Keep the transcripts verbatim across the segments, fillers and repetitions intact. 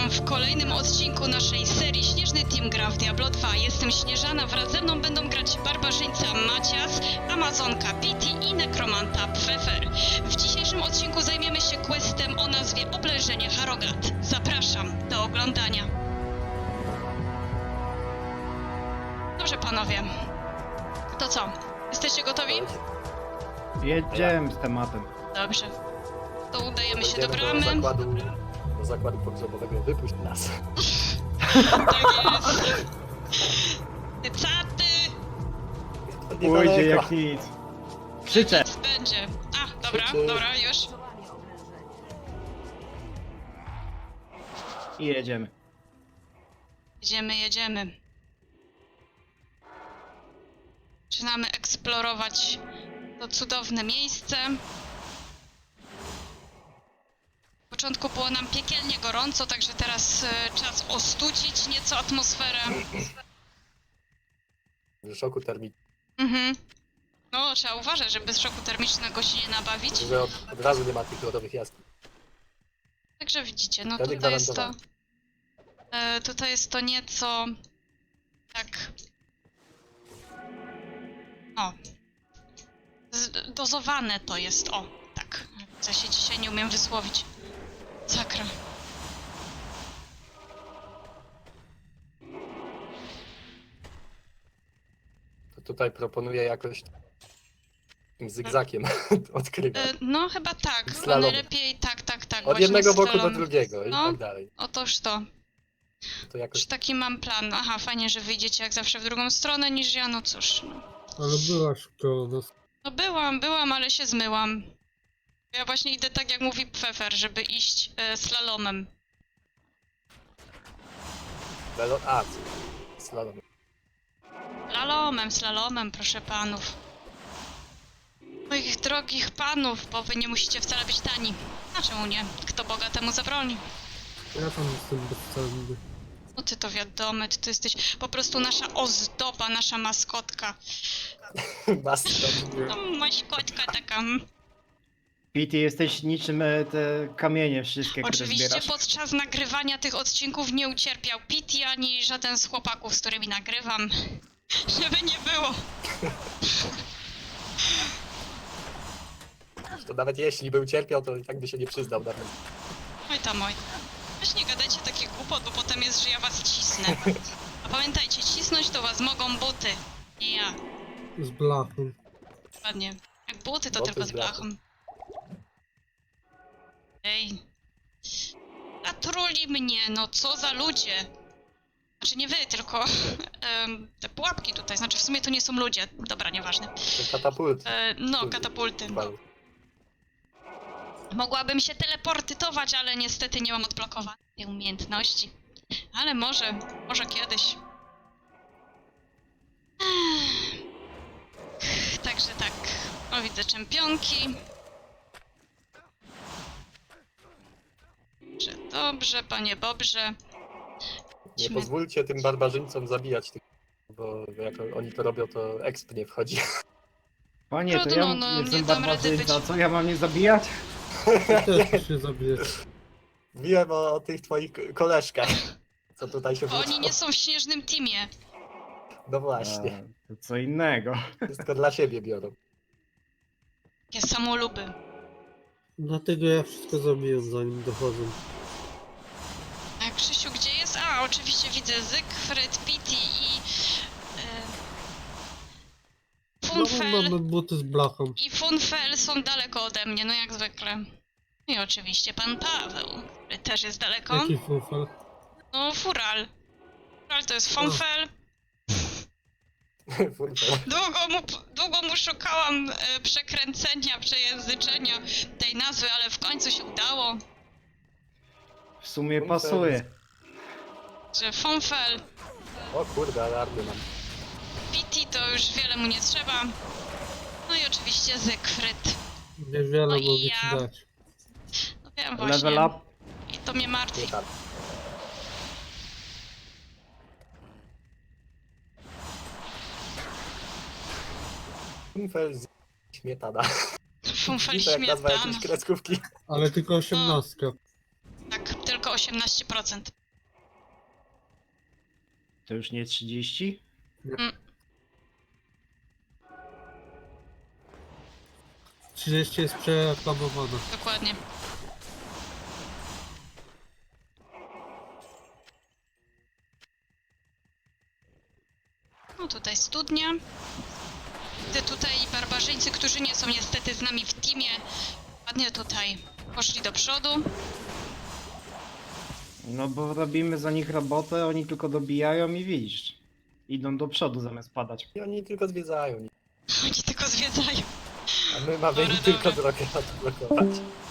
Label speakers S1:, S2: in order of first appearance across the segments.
S1: witam w kolejnym odcinku naszej serii Śnieżny Team gra w Diablo dwa. Jestem Śnieżana, wraz ze mną będą grać barbarzyńca Macias, Amazonka Pity i nekromanta Pfeffer. W dzisiejszym odcinku zajmiemy się questem o nazwie Oblężenie Harrogat. Zapraszam do oglądania. Dobrze panowie, to co? Jesteście gotowi?
S2: Jedziemy z tematem.
S1: Dobrze. To udajemy się do
S3: Będziemy
S1: bramy.
S3: Do zakładu, do zakładu pogrzebowego. Wypuść nas.
S1: Tak jest. Ty caty!
S2: Pójdzie jak nic. Krzyczę.
S1: Nic będzie. A, dobra,
S3: Krzyczy.
S1: dobra, już.
S2: I jedziemy.
S1: Jedziemy, jedziemy. Zaczynamy eksplorować to cudowne miejsce. W początku było nam piekielnie gorąco, także teraz e, czas ostudzić nieco atmosferę.
S3: W szoku termicznym.
S1: Mhm. No, trzeba uważać, żeby z szoku termicznego się nie nabawić.
S3: Że od, od razu nie ma tych lodowych jaskiń.
S1: Także widzicie, no
S3: Wtedy
S1: tutaj jest to...
S3: gwarantowane.
S1: E, tutaj jest to nieco... tak... O. Z, dozowane to jest, o. Tak. Ja się dzisiaj nie umiem wysłowić. Sakra.
S3: To tutaj proponuję jakoś takim zygzakiem odkrywać.
S1: E, no chyba tak, chyba
S3: Slalom.
S1: najlepiej tak, tak, tak.
S3: Od
S1: właśnie
S3: jednego boku
S1: slalom.
S3: do drugiego i
S1: No.
S3: tak dalej.
S1: Otóż to.
S3: To jakoś
S1: Już taki mam plan. Aha, fajnie, że wyjdziecie jak zawsze w drugą stronę niż ja, no cóż. No,
S4: Ale byłaś koło nas.
S1: no byłam, byłam, ale się zmyłam. Ja właśnie idę tak jak mówi Pfeffer, żeby iść e, slalomem.
S3: Melo... A, slalom.
S1: Slalomem, slalomem, proszę panów. Moich drogich panów, bo wy nie musicie wcale być tani. A czemu nie? Kto Boga temu zabroni?
S4: Ja tam jestem bezcenny.
S1: No ty to wiadomo, ty to jesteś po prostu nasza ozdoba, nasza maskotka.
S3: Bastion.
S1: No maskotka taka. mm.
S2: Pity, jesteś niczym e, te kamienie wszystkie, które
S1: Oczywiście
S2: zbierasz.
S1: podczas nagrywania tych odcinków nie ucierpiał Pity ani żaden z chłopaków, z którymi nagrywam. Żeby nie było.
S3: To nawet jeśli by ucierpiał, to i tak by się nie przyznał nawet.
S1: Oj tam oj. Weź nie gadajcie takich głupot, bo potem jest, że ja was cisnę. A pamiętajcie, cisnąć to was mogą buty. Nie ja.
S4: Z blachą.
S1: Ładnie. Jak buty, to
S3: Buty
S1: tylko
S3: z
S1: z
S3: blachą.
S1: blachą. Ej. Zatruli mnie, no co za ludzie. Znaczy nie wy, tylko em, te pułapki tutaj. Znaczy w sumie to nie są ludzie. Dobra, nieważne.
S3: To katapult.
S1: E, no, katapulty.
S3: Dokładnie.
S1: Mogłabym się teleportytować, ale niestety nie mam odblokowanej tej umiejętności. Ale może, może kiedyś. Ech, Także tak. O, widzę czempionki. Dobrze, dobrze, panie Bobrze.
S3: Nie
S1: Idźmy.
S3: pozwólcie tym barbarzyńcom zabijać tych, bo jak oni to robią, to exp nie wchodzi.
S2: Panie, to
S1: Trudno,
S2: ja
S1: no, nie
S2: jestem
S1: dam rady
S2: barbarzyńca,
S1: być-
S2: co ja mam nie zabijać?
S4: Ty też się zabijesz.
S3: Wiem o, o tych twoich k- koleżkach, co tutaj się
S1: Bo oni
S3: wrócą.
S1: nie są w śnieżnym teamie.
S3: No właśnie,
S2: A, to co innego.
S3: wszystko dla siebie biorą.
S1: Takie samoluby.
S4: Dlatego ja wszystko zabiję, zanim dochodzą.
S1: A Krzysiu, gdzie jest? A, oczywiście widzę Zygfryd, Pity i... E,
S4: No,
S1: Funfel.
S4: mamy buty z blachą.
S1: I Funfel są daleko ode mnie, no jak zwykle. I oczywiście pan Paweł, który też jest daleko.
S4: Jaki fufel?
S1: No, Fural. Fural to jest Funfel.
S3: Furtę.
S1: Długo mu, długo mu szukałam e, przekręcenia, przejęzyczenia tej nazwy, ale w końcu się udało,
S2: W sumie
S3: Funfel.
S2: pasuje.
S1: że Funfel.
S3: O kurde, ale armię mam.
S1: Pity to już wiele mu nie trzeba. No i oczywiście Zygfryd.
S4: Niewiele
S1: No i
S4: mogę
S1: ja.
S4: ci dać.
S1: No wiem właśnie.
S2: Level up.
S1: I to mnie martwi.
S3: Nie tak. Funfel z śmietana.
S1: Funfel
S3: I to jak nazwa
S1: śmietana.
S3: jakiejś kreskówki.
S4: Ale tylko osiemnastka.
S1: Tak, tylko osiemnaście procent.
S2: To już nie trzydzieści?
S4: trzydzieści jest przereklamowane.
S1: Dokładnie. No tutaj studnia. Te tutaj barbarzyńcy, którzy nie są niestety z nami w teamie, ładnie tutaj poszli do przodu.
S2: No bo robimy za nich robotę, oni tylko dobijają i widzisz. Idą do przodu zamiast padać.
S3: I oni tylko zwiedzają.
S1: Oni tylko zwiedzają.
S3: A my mamy
S1: Dobra,
S3: im tylko
S1: dobra.
S3: drogę odblokować.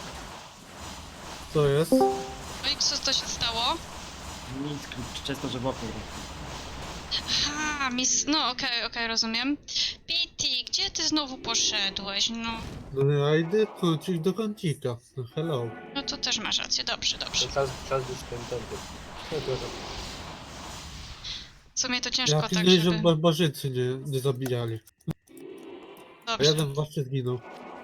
S4: Co jest?
S1: No i co to się stało?
S2: Nic, często, że wokół.
S1: Aha, mis... No okej, okej, rozumiem. Pity, gdzie ty znowu poszedłeś? No,
S4: No ja idę kącik do kącika. No hello.
S1: no to też masz rację, dobrze, dobrze.
S3: To czas, czas być kontentem.
S1: W sumie to ciężko
S4: Ja
S1: tak,
S4: pilnuję, żeby
S1: żeby...
S4: barbarzyńcy nie, nie zabijali. A
S1: Dobrze.
S4: jeden właśnie zginął.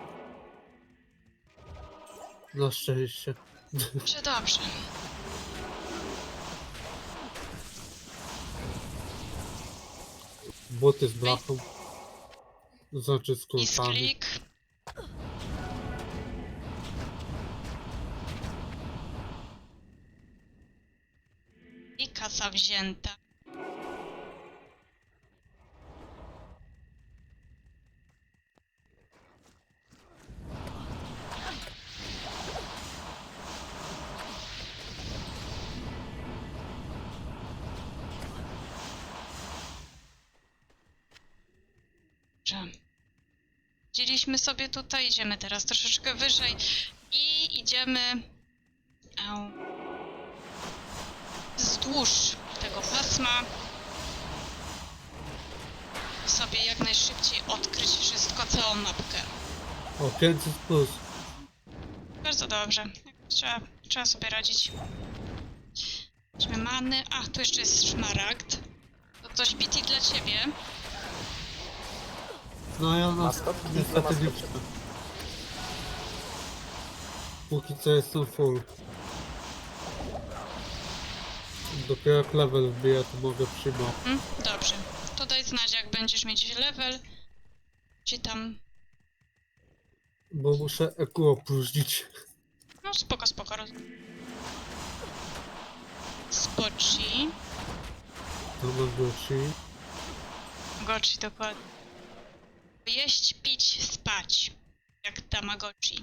S4: Na szczęście.
S1: Dobrze, dobrze.
S4: Boty z blachą. Znaczy z kulkami.
S1: Misklik. I kasa wzięta. Dobrze. Widzieliśmy sobie tutaj, idziemy teraz troszeczkę wyżej i idziemy au, wzdłuż tego pasma sobie jak najszybciej odkryć wszystko, całą mapkę.
S4: O, pięćset plus.
S1: Bardzo dobrze. Trzeba, trzeba sobie radzić. Weźmy many. A, tu jeszcze jest szmaragd. To coś Pity dla ciebie.
S4: No ja na
S3: Maskotki dla
S4: niestety nie
S3: maskotki.
S4: chcę. Póki co jestem full. Dopiero jak level wbija, to mogę przyjmować.
S1: Hmm? Dobrze. To daj znać, jak będziesz mieć level. Czy tam...
S4: Bo muszę eku opróżnić.
S1: No spoko, spoko. roz- Spoci.
S4: To na głosi.
S1: Gochi, dokładnie. Jeść, pić, spać. Jak Tamagotchi.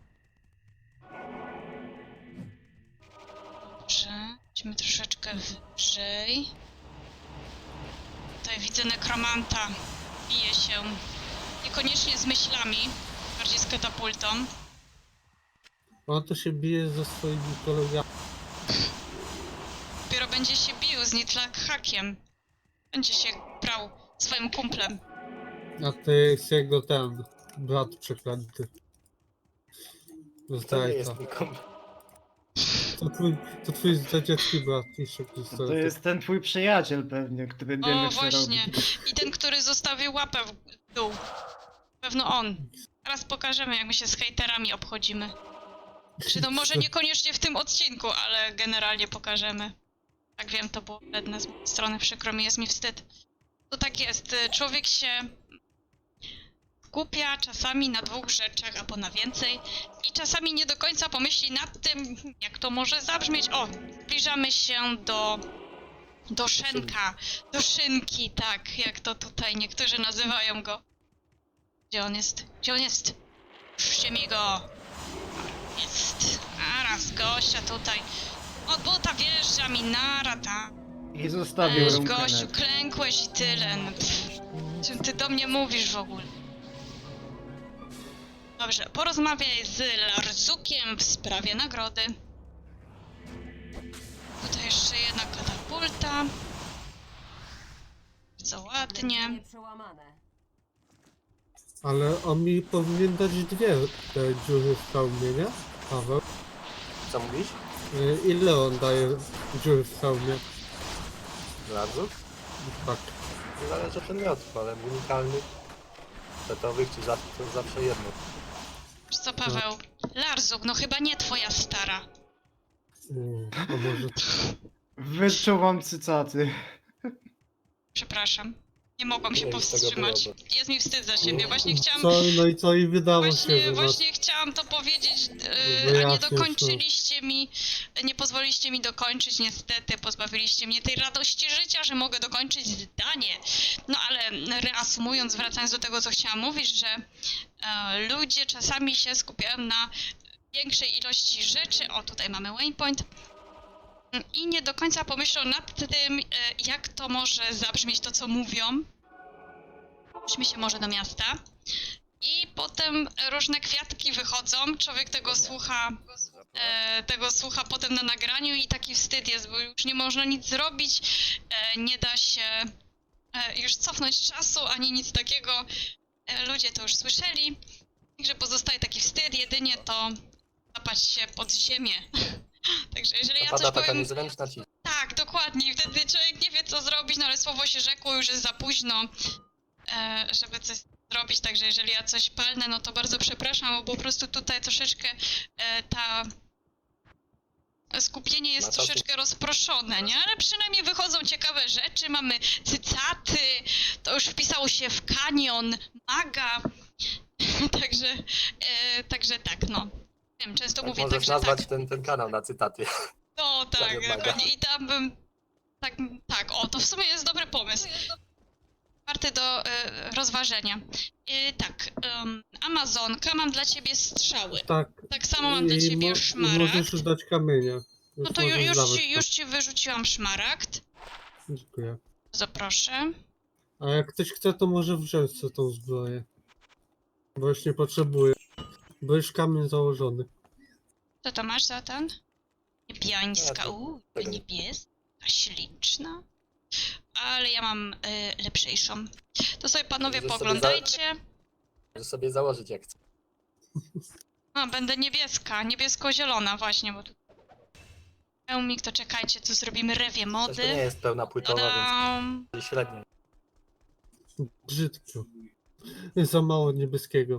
S1: Dobrze. Idźmy troszeczkę wyżej. Tutaj widzę nekromanta. Bije się. Niekoniecznie z myślami. Bardziej z katapultą.
S4: On to się bije ze swoimi kolegami.
S1: Dopiero będzie się bił z Nitlak hakiem. Będzie się brał swoim kumplem.
S4: A to jest jego ten brat przeklęty.
S3: To nie
S4: Zdrajca.
S3: jest nikomu.
S4: To twój, to twój zdradziecki brat, jeszcze
S2: To
S4: niestety.
S2: jest ten twój przyjaciel pewnie, który nie
S1: O,
S2: wie co
S1: właśnie.
S2: robi.
S1: I ten, który zostawił łapę w dół. Pewno on. Teraz pokażemy, jak my się z hejterami obchodzimy. Czy no może niekoniecznie w tym odcinku, ale generalnie pokażemy. Tak wiem, to było wredne z mojej strony, przykro mi, jest mi wstyd. To tak jest, człowiek się skupia czasami na dwóch rzeczach, albo na więcej i czasami nie do końca pomyśli nad tym, jak to może zabrzmieć. O, zbliżamy się do, do szenka, do szynki, tak, jak to tutaj niektórzy nazywają go. Gdzie on jest? Gdzie on jest? Puśćcie mi go! Jest. A raz gościa tutaj. Od buta wjeżdża mi nara, ta.
S2: I zostawił
S1: Weź,
S2: rąkę
S1: gościu,
S2: net.
S1: klękłeś i tyle. No, pff. Czym ty do mnie mówisz w ogóle? Dobrze, porozmawiaj z Larzukiem w sprawie nagrody. Tutaj jeszcze jedna katapulta. Co ładnie.
S4: Ale on mi powinien dać dwie te dziury w hełmie, nie? Paweł.
S3: Co mówisz?
S4: Y, Ile on daje dziury w hełmie?
S3: Bardzo?
S4: Tak.
S3: To zależy od przedmiotów, ale unikalnych, setowych czy zawsze, to zawsze jedno.
S1: Wiesz co, Paweł? Larzuk, no chyba nie twoja stara.
S4: Mm, A może
S2: Wyczuwam cycaty.
S1: Przepraszam. Nie mogłam się
S3: Nie, już tego
S1: powstrzymać.
S3: było,
S1: Jest mi wstyd za siebie. Właśnie chciałam
S4: co, no i co i wydało się,
S1: Właśnie,
S4: że was...
S1: właśnie chciałam to powiedzieć, yy, a nie
S4: Wyjaśnię, co.
S1: dokończyliście mi, nie pozwoliliście mi dokończyć, niestety, pozbawiliście mnie tej radości życia, że mogę dokończyć zdanie. No ale reasumując, wracając do tego, co chciałam mówić, że e, ludzie czasami się skupiają na większej ilości rzeczy, o tutaj mamy waypoint, i nie do końca pomyślą nad tym, e, jak to może zabrzmieć to, co mówią. Brzmi się może do miasta. I potem różne kwiatki wychodzą, człowiek tego słucha, e, tego słucha potem na nagraniu i taki wstyd jest, bo już nie można nic zrobić, e, nie da się e, już cofnąć czasu, ani nic takiego. E, ludzie to już słyszeli, także pozostaje taki wstyd, jedynie to zapać się pod ziemię. Także jeżeli ja
S3: Pada
S1: coś
S3: taka
S1: powiem...
S3: niezręczna ci.
S1: Tak, dokładnie. I wtedy człowiek nie wie, co zrobić, no ale słowo się rzekło, już jest za późno, e, żeby coś zrobić. Także jeżeli ja coś palnę, no to bardzo przepraszam, bo po prostu tutaj troszeczkę e, ta skupienie jest
S3: Na czasie.
S1: troszeczkę rozproszone, nie? Ale przynajmniej wychodzą ciekawe rzeczy, mamy cycaty, to już wpisało się w kanion, maga. także, e, także tak, no. Wiem, często
S3: Tak
S1: mówię
S3: możesz
S1: tak, że
S3: nazwać
S1: tak.
S3: ten, ten kanał na cytaty.
S1: No tak,
S3: Kanion maga.
S1: dokładnie. I tam bym. Tak, tak, o, to w sumie jest dobry pomysł. Warty do e, rozważenia. E, tak, em, Amazonka, mam dla ciebie strzały.
S4: Tak,
S1: Tak samo mam dla
S4: i
S1: ciebie
S4: mo-
S1: szmaragd.
S4: możesz dać kamienia. Już
S1: No to ju,
S4: możesz
S1: już,
S4: dawać
S1: ci,
S4: to.
S1: już ci wyrzuciłam szmaragd.
S4: Dziękuję.
S1: Bardzo proszę.
S4: A jak ktoś chce, to może wziąć sobie tą zbroję. Bo już nie potrzebuję. Bo już kamień założony.
S1: Co to masz za ten? Niebiańska,
S3: Ja to-
S1: uuu,
S3: tego-
S1: niebieska, śliczna. Ale ja mam e, lepszejszą. To sobie panowie
S3: Możesz sobie
S1: pooglądajcie.
S3: Możesz sobie założyć jak chcesz.
S1: No, będę niebieska, niebiesko-zielona właśnie, bo tu... Pełmik, to czekajcie, tu zrobimy rewie
S3: Coś to nie
S1: mody.
S3: jest pełna płytowa,
S1: Tadam!
S3: więc średnio.
S4: Brzydko. Za mało niebieskiego.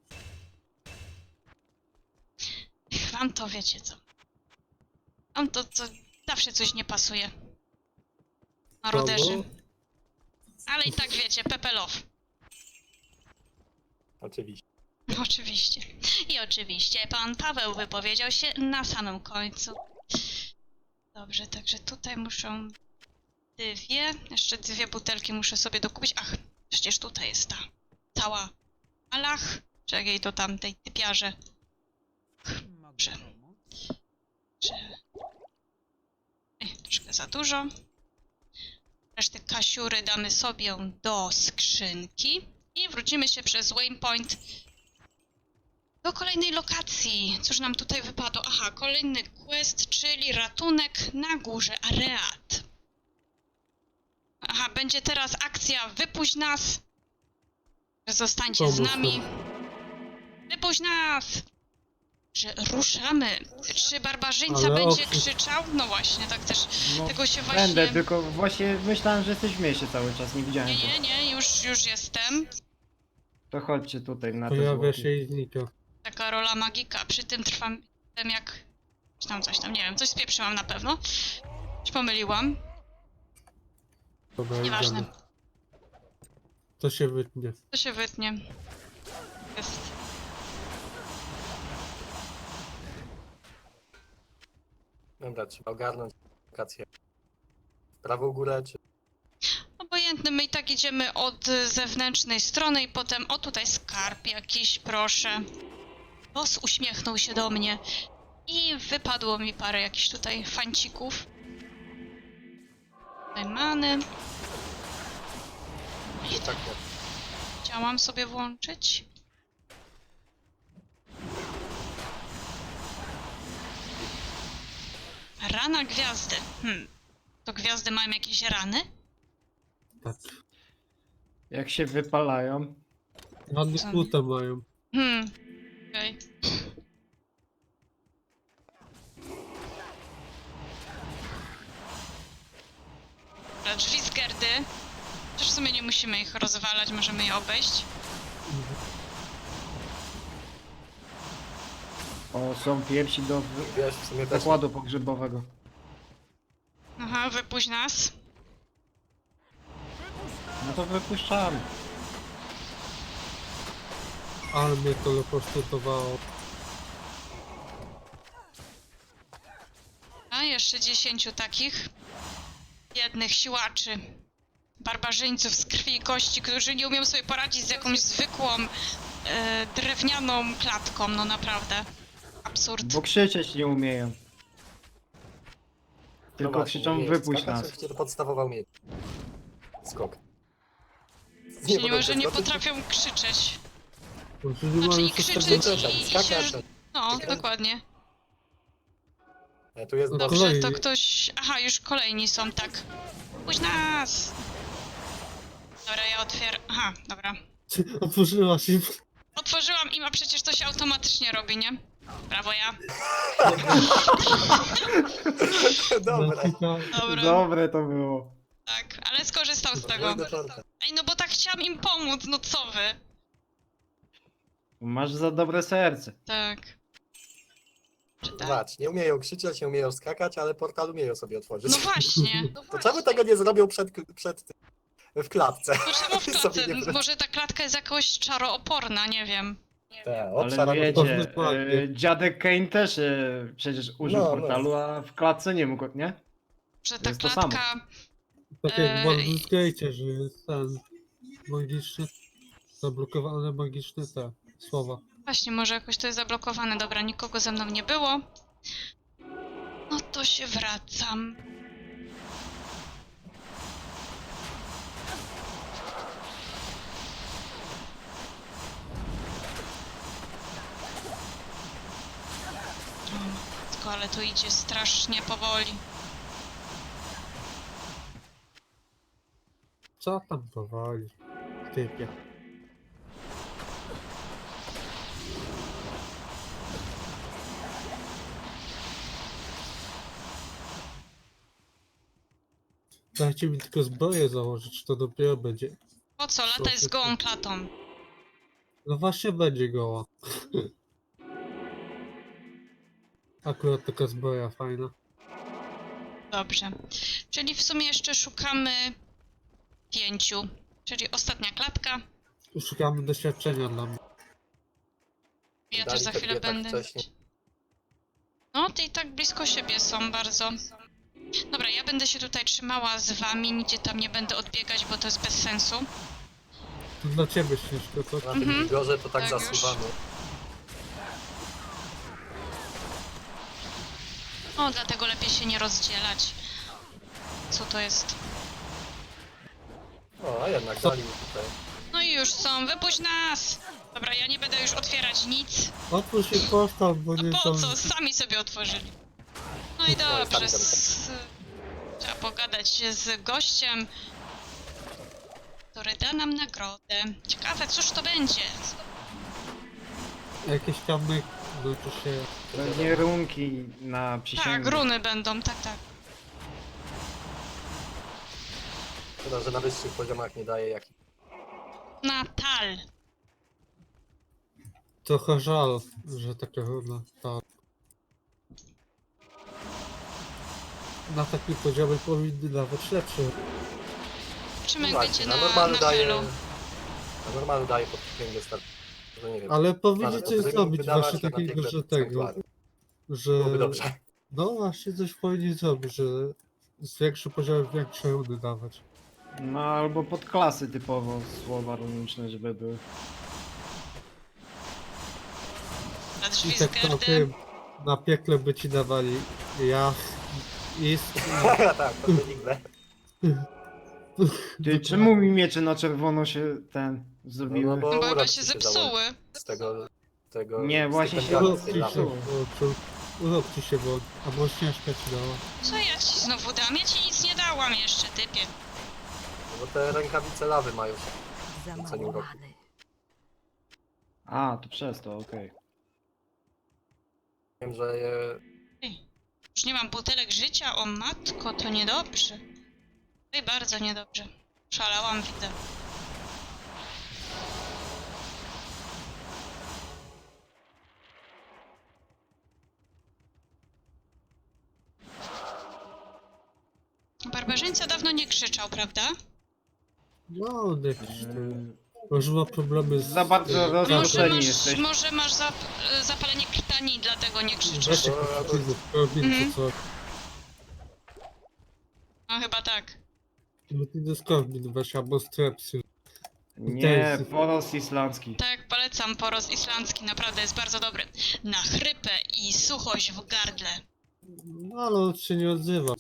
S1: Wam to wiecie co. Wam to, to zawsze coś nie pasuje. Maroderzy.
S4: Kogo?
S1: Ale i tak wiecie, pepelow.
S3: Oczywiście.
S1: Oczywiście. I oczywiście pan Paweł wypowiedział się na samym końcu. Dobrze, także tutaj muszą dwie, jeszcze dwie butelki muszę sobie dokupić. Ach, przecież tutaj jest ta cała alach. Czekaj, do tamtej typiarze. Dobrze. Że... Ej, troszkę za dużo. Resztę kasiury damy sobie do skrzynki. I wrócimy się przez waypoint do kolejnej lokacji. Cóż nam tutaj wypadło? Aha, kolejny quest, czyli ratunek na górze Areat. Aha, będzie teraz akcja Wypuść nas. Zostańcie z
S4: Pomóż
S1: nami. Wypuść nas! Że ruszamy. Czy barbarzyńca
S4: Ale
S1: będzie
S4: oczy-
S1: krzyczał? No właśnie, tak też.
S2: No,
S1: Tego się właśnie...
S2: będę, tylko właśnie myślałem, że jesteś w mieście cały czas, nie widziałem
S1: Nie,
S2: cię.
S1: nie, nie, już, już jestem.
S2: To chodźcie tutaj na te
S4: Pojawia
S2: zwłoki.
S4: się i znika.
S1: Taka rola magika. Przy tym trwam tym jak... Czy tam coś tam, nie wiem, coś spieprzyłam na pewno. Czy pomyliłam?
S4: Dobra,
S1: Nieważne.
S4: idziemy. To się wytnie.
S1: To się wytnie. Jest.
S3: Dobra, trzeba ogarnąć lokację. W prawą górę, czy
S1: Obojętny, my i tak idziemy od zewnętrznej strony i potem... O, tutaj skarb jakiś, proszę. Boss uśmiechnął się do mnie. I wypadło mi parę jakichś tutaj fancików. Tutaj many.
S3: tak nie.
S1: Chciałam sobie włączyć. Rana gwiazdy. Hmm. To gwiazdy mają jakieś rany?
S4: Tak.
S2: Jak się wypalają.
S4: Rany
S1: Co?
S4: kłute mają.
S1: Hmm. Okej. Dobra, drzwi z Gerdy. Chociaż w sumie nie musimy ich rozwalać, możemy je obejść.
S2: O, są piersi do wy-
S3: Wiesz, w sumie też.
S2: zakładu pogrzebowego.
S1: Aha, wypuść nas.
S2: No to wypuszczamy.
S4: Ale mnie to leposztotowało.
S1: A jeszcze dziesięciu takich biednych siłaczy. Barbarzyńców z krwi i kości, którzy nie umieją sobie poradzić z jakąś zwykłą e, drewnianą klatką, no naprawdę. Absurd.
S2: Bo krzyczeć nie umieją. Tylko
S3: No właśnie,
S2: krzyczą
S3: nie,
S2: wypuść
S3: skakać
S2: nas.
S3: oczywiście to podstawowa umiejętność. Skok.
S1: Czyli
S3: potem
S1: może nie
S3: przeskoczyć,
S1: potrafią krzyczeć.
S4: Znaczy nie
S1: Znaczy
S4: mają
S1: i krzyczeć
S4: systemu.
S1: i, i
S3: skakać,
S1: się...
S3: skakać.
S1: No, dokładnie.
S3: Nie, tu jest
S4: No
S3: dobrze.
S1: Dobrze,
S4: Kolejni.
S1: to ktoś... Aha, już kolejni są, tak. Puść nas! Dobra, ja otwieram... Aha, dobra.
S4: Otworzyła się.
S1: Otworzyłam im, a przecież to się automatycznie robi, nie? Brawo ja.
S3: Dobra.
S1: Dobra,
S2: Dobre to było.
S1: tak, ale skorzystał z tego.
S3: Podwójny torta.
S1: Ej, no bo tak chciałam im pomóc, no co wy?
S2: Masz za dobre serce.
S1: Tak. Czy tak?
S3: Zobacz, nie umieją krzyczeć, nie umieją skakać, ale portal umieją sobie otworzyć.
S1: No właśnie.
S3: To czemu tego nie zrobią przed, przed tym, w klatce?
S1: To czemu w
S3: Sobie
S1: klatce?
S3: nie-
S1: Może ta klatka jest jakoś czarooporna, nie wiem.
S3: Te,
S2: Ale
S3: obszar
S2: wiecie,
S4: dokładnie.
S2: e, dziadek Kane też e, przecież użył
S3: No, no.
S2: portalu, a w klatce nie mógł, nie?
S1: Że ta
S2: jest to samo.
S1: klatka...
S4: Tak
S1: Eee,
S4: jak w Baldur's Gate, że jest ten magiczny, zablokowane magiczne te słowa.
S1: Właśnie, może jakoś to jest zablokowane. Dobra, nikogo ze mną nie było. No to się wracam. O matko, ale to idzie strasznie powoli.
S4: Co tam powoli? Typie. Dajcie mi tylko zbroję założyć, to dopiero będzie.
S1: Po co? Lataj z gołą klatą.
S4: No właśnie będzie goła. Akurat taka zbroja fajna.
S1: Dobrze. Czyli w sumie jeszcze szukamy pięciu. Czyli ostatnia klatka.
S4: Szukamy doświadczenia dla mnie.
S1: Ja
S3: Dali
S1: też za
S3: te
S1: chwilę
S3: dwie tak
S1: będę.
S3: wcześnie.
S1: No, te i tak blisko siebie są bardzo. Dobra, ja będę się tutaj trzymała z wami, nigdzie tam nie będę odbiegać, bo to jest bez sensu.
S4: To dla ciebie śnieżko, co?
S3: Na tym
S1: Mhm.
S3: wigorze to tak,
S1: Tak już.
S3: zasuwamy.
S1: O, dlatego lepiej się nie rozdzielać. Co to jest?
S3: O, a jednak dali mi tutaj.
S1: No i już są, wypuść nas! Dobra, ja nie będę już otwierać nic.
S4: Otwórz się postaw, bo
S1: A
S4: nie
S1: po
S4: są...
S1: co? Sami sobie otworzyli. No i
S3: sami
S1: dobrze.
S3: zamykam.
S1: S... Trzeba pogadać z gościem, który da nam nagrodę. Ciekawe, cóż to będzie?
S4: Jakieś tam, znaczy się...
S2: Pewnie runki na przysięgę.
S1: Tak, runy będą, tak, tak.
S3: Szkoda, że na wyższych poziomach nie daje jak.
S1: Natal.
S4: Trochę żal, że taka równa ta... Na takim poziomie powinny nawet lepsze.
S1: Zobaczymy, jak
S3: Właśnie,
S1: będzie
S3: na
S1: na,
S3: normalu
S1: na
S3: daje.
S1: helu.
S3: Na normalu daje pod księgę start. Że nie wiem.
S4: Ale powinni
S3: Ale
S4: coś
S3: to
S4: zrobić
S3: wydawać
S4: właśnie
S3: się na
S4: takiego,
S3: piękne
S4: że tego,
S3: sanktuarium.
S4: że...
S3: Byłoby dobrze.
S4: No właśnie coś powinni zrobić, że z większym poziomem większe runy dawać.
S2: No albo pod klasy typowo słowa runiczne, żeby były.
S1: Na drzwi
S4: I
S1: z
S4: tak to
S1: gardem.
S4: tym, na piekle by ci dawali ja, ist,
S3: Tak, to benigne.
S2: Ty, czemu mi miecze na czerwono się ten zrobiły?
S3: No,
S1: No bo chyba
S3: urok
S1: się
S3: ci
S1: zepsuły.
S3: założy Z tego. tego
S2: Nie,
S3: z
S2: właśnie
S3: tych
S2: się
S3: bengalów
S4: urok
S3: z
S4: ci
S3: tej
S4: się
S3: lawy.
S4: włączył, urok ci się włączył, albo śnieżka ci dała.
S1: Co ja ci znowu dam? Ja ci nic nie dałam jeszcze, typie.
S3: Bo te rękawice lawy mają się.
S5: Za
S3: Co nie
S5: mało
S3: uroku.
S5: many.
S2: A, to przez to, okej.
S3: Wiem, że je.
S1: Już nie mam butelek życia, o matko, to niedobrze. Oj, bardzo niedobrze. Szalałam, widzę. Barbarzyńca dawno nie krzyczał, prawda?
S4: No, jakiś
S2: Eee,
S4: tam... Może ma problemy z...
S2: Za bardzo
S4: z-
S2: roz-
S1: Może
S2: Zaproszeni
S1: masz,
S2: jesteś.
S1: może masz zap, zapalenie krtani, dlatego nie krzyczysz.
S4: Weźcie
S3: Bo-
S4: pozytywów, robimy
S1: Mhm.
S4: co.
S1: No chyba tak.
S4: No ty do skorbin weź, albo strepsy.
S2: Nie, poros islandzki.
S1: Tak, polecam poros islandzki, naprawdę jest bardzo dobry. Na chrypę i suchość w gardle.
S4: No ale on się nie odzywa.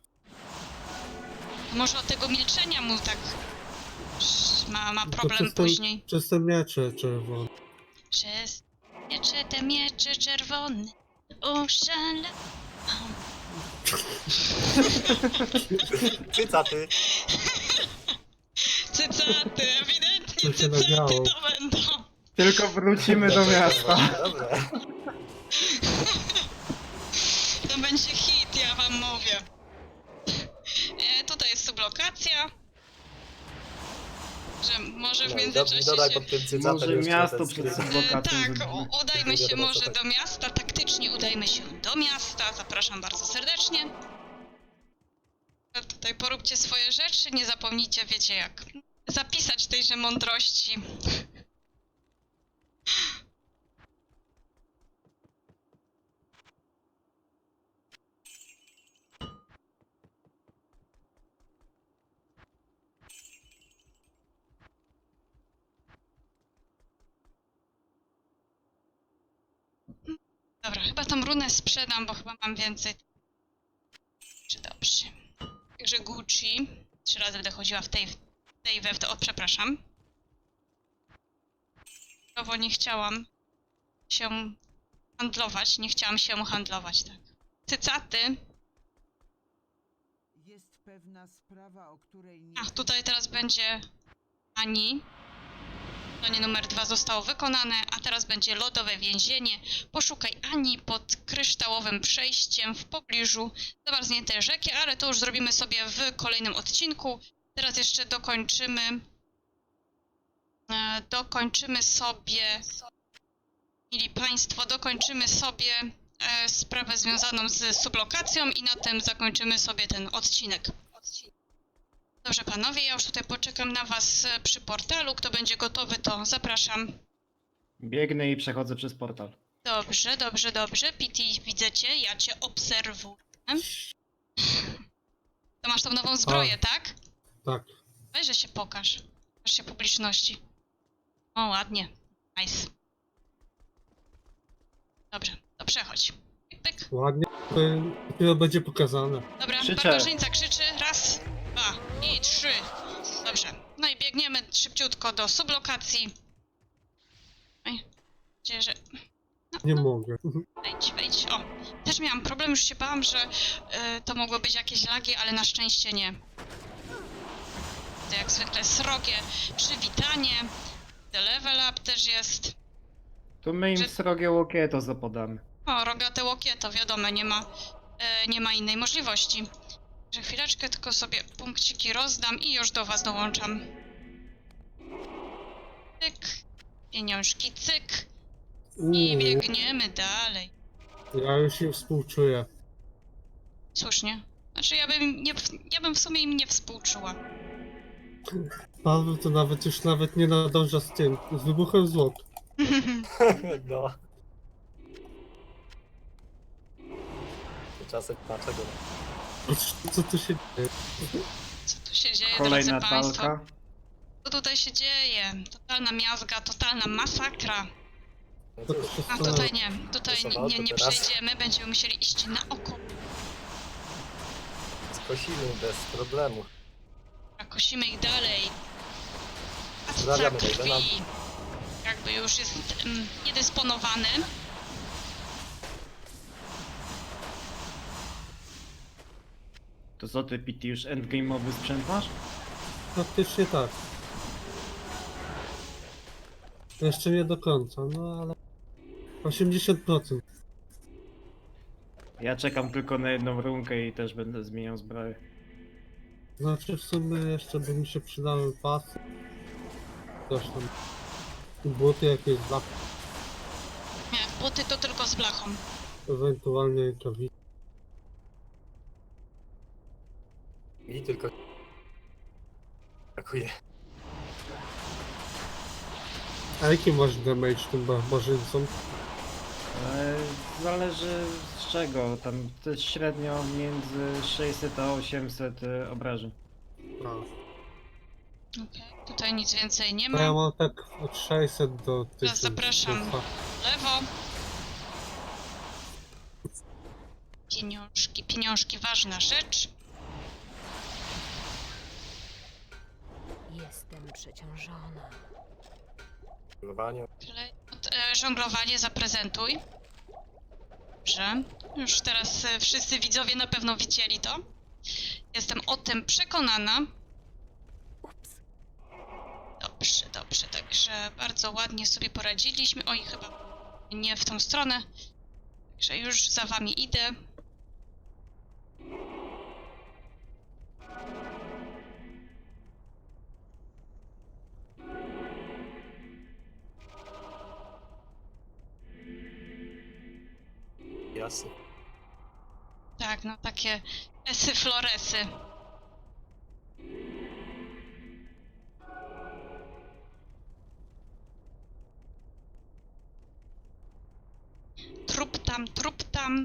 S1: Może od tego milczenia mu tak ma, ma
S4: To
S1: problem
S4: przez ten-
S1: później.
S4: Przez te miecze czerwone.
S1: Przez miecze te miecze czerwone oszala.
S3: Cycaty.
S1: Cycaty, ewidentnie
S4: To się
S1: cycaty
S4: nagrało.
S1: to będą.
S2: Tylko wrócimy do miasta.
S3: Dobra.
S1: To będzie hit, ja wam mówię. E, tutaj jest sublokacja. Że może w
S3: No, i do-
S1: międzyczasie
S3: i dodaj
S1: się...
S3: pod tym cycatem
S2: Może
S3: jeszcze
S2: miasto
S3: ten
S2: przed
S3: skrypt.
S1: E,
S2: sublokacją
S1: tak,
S2: zrobimy.
S1: u- udajmy
S3: Nie
S1: się
S3: wiadomo,
S1: może
S3: co tak.
S1: do miasta, taktycznie udajmy się do miasta. Zapraszam bardzo serdecznie. A tutaj poróbcie swoje rzeczy, nie zapomnijcie, wiecie jak zapisać tejże mądrości. Dobra, chyba tą runę sprzedam, bo chyba mam więcej. Czy dobrze. Także Gucci. Trzy razy będę chodziła w tej, w tej we w to. O, przepraszam. Bo nie chciałam się handlować. Nie chciałam się handlować, tak. Cycaty.
S5: Jest pewna sprawa, o której nie...
S1: Ach, tutaj teraz będzie Ani. Zadanie numer dwa zostało wykonane, a teraz będzie lodowe więzienie. Poszukaj Ani pod kryształowym przejściem w pobliżu zamarzniętej rzeki, ale to już zrobimy sobie w kolejnym odcinku. Teraz jeszcze dokończymy... E, dokończymy sobie... Mili Państwo, dokończymy sobie e, sprawę związaną z sublokacją i na tym zakończymy sobie ten odcinek. Dobrze panowie, ja już tutaj poczekam na was e, przy portalu. Kto będzie gotowy, to zapraszam.
S2: Biegnę i przechodzę przez portal.
S1: Dobrze, dobrze, dobrze. Pity, widzę cię, ja cię obserwuję. To masz tą nową zbroję, tak?
S4: Tak.
S1: Weź, że się pokaż. Pokaż się publiczności. O, ładnie. Nice. Dobrze, to przechodź. Pyk, pyk.
S4: Ładnie. To dopiero będzie pokazane.
S1: Dobra,
S2: Krzyczę.
S1: barbarzyńca krzyczy. Raz, dwa i trzy. Dobrze. No i biegniemy szybciutko do sublokacji. Oj, gdzie, że... No,
S4: Nie
S1: no,
S4: mogę.
S1: wejdź, wejdź. O, też miałam problem, już się bałam, że y, to mogło być jakieś lagi, ale na szczęście nie. To jak zwykle srogie przywitanie. The level up też jest.
S2: Tu my im
S1: Że-
S2: srogie łokieto zapodamy.
S1: O, rogate łokieto, wiadomo, nie ma, e, nie ma innej możliwości. Że chwileczkę tylko sobie punkciki rozdam i już do was dołączam. Cyk, pieniążki, cyk i
S4: Uuu,
S1: biegniemy dalej.
S4: ja już im współczuję.
S1: Słusznie. Znaczy ja bym, nie, ja bym w sumie im nie współczuła.
S4: Paweł to nawet już nawet nie nadąża z tym, z wybuchem złot.
S3: No. Tymczasem dlaczego?
S4: Co tu się dzieje?
S1: Co tu się dzieje,
S2: Kolejna
S1: drodzy państwo?
S2: talka.
S1: Co tutaj się dzieje? Totalna miazga, totalna masakra.
S3: No
S4: To
S3: cóż,
S4: się
S1: A
S4: stanęło.
S1: tutaj nie, tutaj nie, nie, nie
S3: teraz.
S1: przejdziemy, będziemy musieli iść na oko.
S3: skosimy bez problemu.
S1: A kosimy ich dalej. A
S3: Pozdrawiamy
S1: krwi
S3: Raidena.
S1: jakby już jest mm, niedysponowany.
S2: To co ty, Pity, już endgame'owy sprzęt masz?
S4: Praktycznie tak. Jeszcze nie do końca, no ale... osiemdziesiąt procent.
S2: Ja czekam tylko na jedną runkę i też będę zmieniał zbroję.
S4: Znaczy w sumie jeszcze by mi się przydały pasy. Coś tam. Buty jakieś dla...
S1: Nie, buty to tylko z blachą.
S4: ewentualnie rękawice.
S3: Mi tylko brakuje.
S4: A jaki masz damage tym barbarzyńcom?
S2: E, Zależy z czego, tam to jest średnio między sześćset a osiemset e, obrażeń.
S4: A.
S1: Okej, tutaj nic więcej nie
S4: No ja
S1: ma.
S4: mam tak od sześćset do tysiąca.
S1: zapraszam. Lewo. Pieniążki, pieniążki, ważna rzecz.
S6: Jestem przeciążona.
S3: Polowanie.
S1: Klejnot, e, żonglowanie zaprezentuj. Dobrze. Już teraz e, wszyscy widzowie na pewno widzieli to. Jestem o tym przekonana.
S6: Ups.
S1: Dobrze, dobrze, także bardzo ładnie sobie poradziliśmy. Oj, chyba nie w tą stronę. Także już za wami idę.
S3: Jasne.
S1: Tak, no takie esy floresy. Trup tam, trup tam.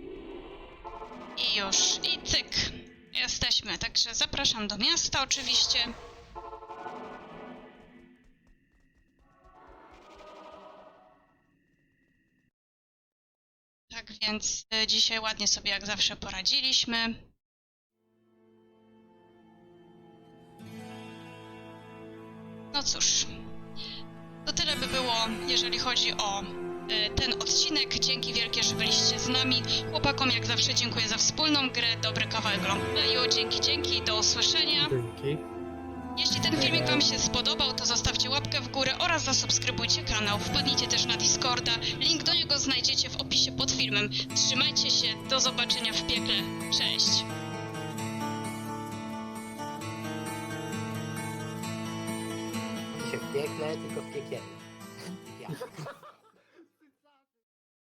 S1: I już, i cyk. Jesteśmy, także zapraszam do miasta oczywiście. Tak więc e, dzisiaj ładnie sobie jak zawsze poradziliśmy. No cóż, to tyle by było, jeżeli chodzi o e, ten odcinek. Dzięki wielkie, że byliście z nami. Chłopakom jak zawsze dziękuję za wspólną grę, dobry kawałek longplayu. Dzięki, dzięki, do usłyszenia.
S4: Dzięki.
S1: Jeśli ten filmik wam się spodobał, to zostawcie łapkę w górę oraz zasubskrybujcie kanał. Wpadnijcie też na Discorda, link do niego znajdziecie w opisie pod filmem. Trzymajcie się, do zobaczenia w piekle. Cześć!
S3: Nie w piekle, tylko w piekielnie. Ja.